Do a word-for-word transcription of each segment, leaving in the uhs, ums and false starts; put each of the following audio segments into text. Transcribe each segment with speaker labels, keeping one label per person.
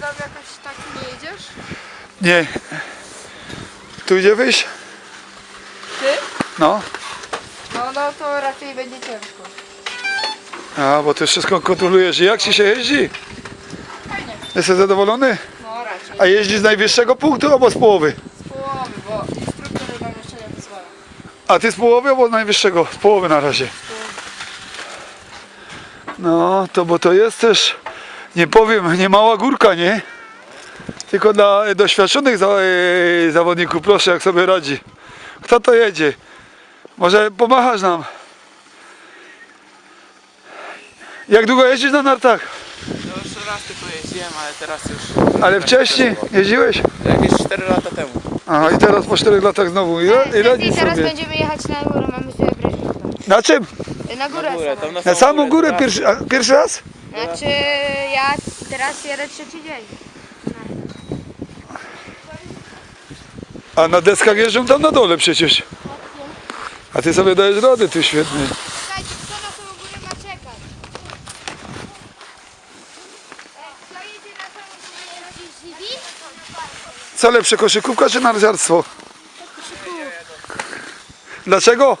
Speaker 1: tam jakoś tak nie jedziesz?
Speaker 2: Nie. Tu idzie wyjść?
Speaker 1: Ty?
Speaker 2: No.
Speaker 1: No, no to raczej będzie ciężko.
Speaker 2: A, bo ty wszystko kontrolujesz. I jak ci się jeździ?
Speaker 1: Fajnie.
Speaker 2: Jesteś zadowolony?
Speaker 1: No raczej.
Speaker 2: A jeździsz z najwyższego punktu albo z połowy?
Speaker 1: Z połowy, bo instruktor nam jeszcze nie pozwala.
Speaker 2: A ty z połowy albo z najwyższego? Z połowy na razie. No, to bo to jest też, nie powiem, nie mała górka, nie? Tylko dla doświadczonych za, e, zawodników, proszę, jak sobie radzi. Kto to jedzie? Może pomachasz nam? Jak długo jeździsz na nartach?
Speaker 3: No już raz tylko jeździłem, ale teraz już...
Speaker 2: Ale wcześniej jeździłeś?
Speaker 3: Jakieś cztery lata temu.
Speaker 2: Aha, i teraz po czterech latach znowu. Ile, ile
Speaker 4: I
Speaker 2: dni
Speaker 4: teraz
Speaker 2: sobie?
Speaker 4: będziemy jechać na górę, mamy sobie wybrać.
Speaker 2: Na czym?
Speaker 4: Na górę,
Speaker 3: Na górę, tam
Speaker 4: sama.
Speaker 2: Na samą górę pierwszy, a, pierwszy raz?
Speaker 4: Znaczy ja teraz jadę trzeci dzień.
Speaker 2: A na deskach jeżdżą tam na dole przecież. A ty sobie dajesz radę, ty świetnie.
Speaker 4: Słuchajcie, kto na samą górę ma czekać? Kto jedzie na samą górę? Jeździ?
Speaker 2: Co lepsze, koszykówka czy narciarstwo? Dlaczego?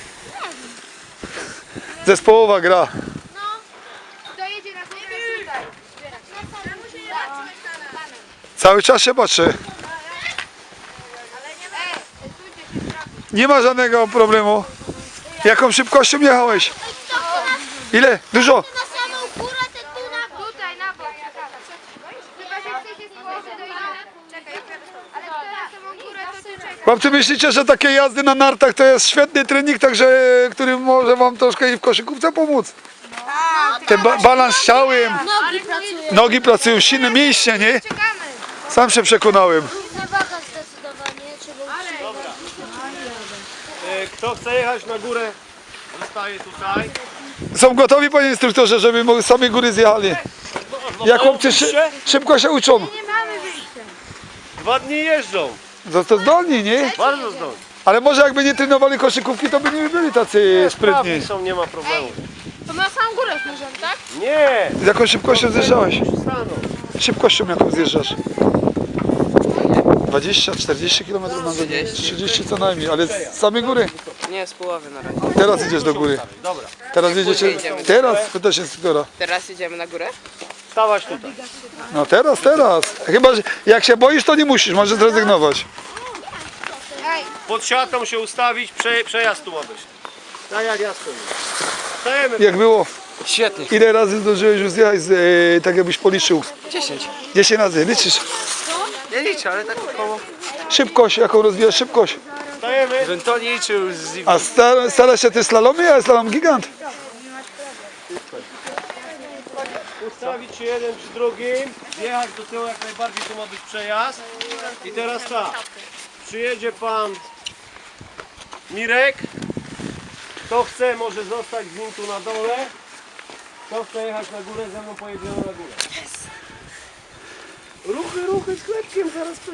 Speaker 2: Zespołowa gra.
Speaker 4: No. Kto jedzie na górę tutaj?
Speaker 2: Cały czas się patrzę. Nie ma żadnego problemu. Jaką szybkością jechałeś? Ile? Dużo?
Speaker 4: Na samą górę, te tu na tutaj, na bok. Chyba, że chcecie z połowy dojechać. Czekaj, ale kto na samą górę, to ty czekaj.
Speaker 2: Chłopcy, myślicie, że takie jazdy na nartach to jest świetny trening, także który może wam troszkę i w koszykówce pomóc? Ten ba balans ciałem,
Speaker 4: Nogi pracują.
Speaker 2: nogi pracują, silne mięśnie, nie?
Speaker 4: Czekamy.
Speaker 2: Sam się przekonałem.
Speaker 4: Równa waga zdecydowanie, trzeba
Speaker 5: Kto chce jechać na górę, zostaje tutaj.
Speaker 2: Są gotowi, panie instruktorze, żeby mogli z samej góry zjechali. Jak chłopcy szy szybko się uczą.
Speaker 4: Nie mamy wyjścia.
Speaker 5: Dwa dni jeżdżą,
Speaker 2: To, to zdolni, nie?
Speaker 5: bardzo zdolni.
Speaker 2: Ale może jakby nie trenowali koszykówki, to by nie byli tacy sprytni.
Speaker 5: Sprawni są, nie ma problemu.
Speaker 1: To na samą górę możemy, tak?
Speaker 5: Nie!
Speaker 2: Z jaką szybkością zjeżdżałeś?
Speaker 5: Staną.
Speaker 2: Szybkością jaką zjeżdżasz? dwadzieścia czterdzieści kilometrów na godzinę. trzydzieści co najmniej, ale z samej góry.
Speaker 3: Nie, z połowy na razie.
Speaker 2: Teraz idziesz do góry.
Speaker 5: Dobra,
Speaker 2: Teraz jedziecie. Teraz pytasz instruktora.
Speaker 3: Teraz idziemy na górę?
Speaker 5: stawać tutaj.
Speaker 2: No teraz, teraz. Chyba, że jak się boisz, to nie musisz, możesz zrezygnować.
Speaker 5: Pod siatką się ustawić, prze, przejazd tu ma być. Tak jak ja stoję. Stajemy.
Speaker 2: Jak było?
Speaker 3: Świetnie.
Speaker 2: Ile razy zdążyłeś już zjechać, z, e, tak jakbyś policzył?
Speaker 3: dziesięć.
Speaker 2: dziesięć razy, liczysz.
Speaker 3: Nie liczę, ale tak około.
Speaker 2: Szybkość, jaką rozwijasz szybkość.
Speaker 5: Stajemy.
Speaker 3: Żebym to nie liczył z...
Speaker 2: A stara, starasz się ty slalomie, a slalom gigant.
Speaker 5: Ustawić się jeden przy drugim. Jechać do tyłu jak najbardziej, tu ma być przejazd. I teraz tak. Przyjedzie pan Mirek. Kto chce, może zostać z nim tu na dole. Kto chce jechać na górę, ze mną pojedziemy na górę. Ruchy, ruchy z chlebkiem zaraz.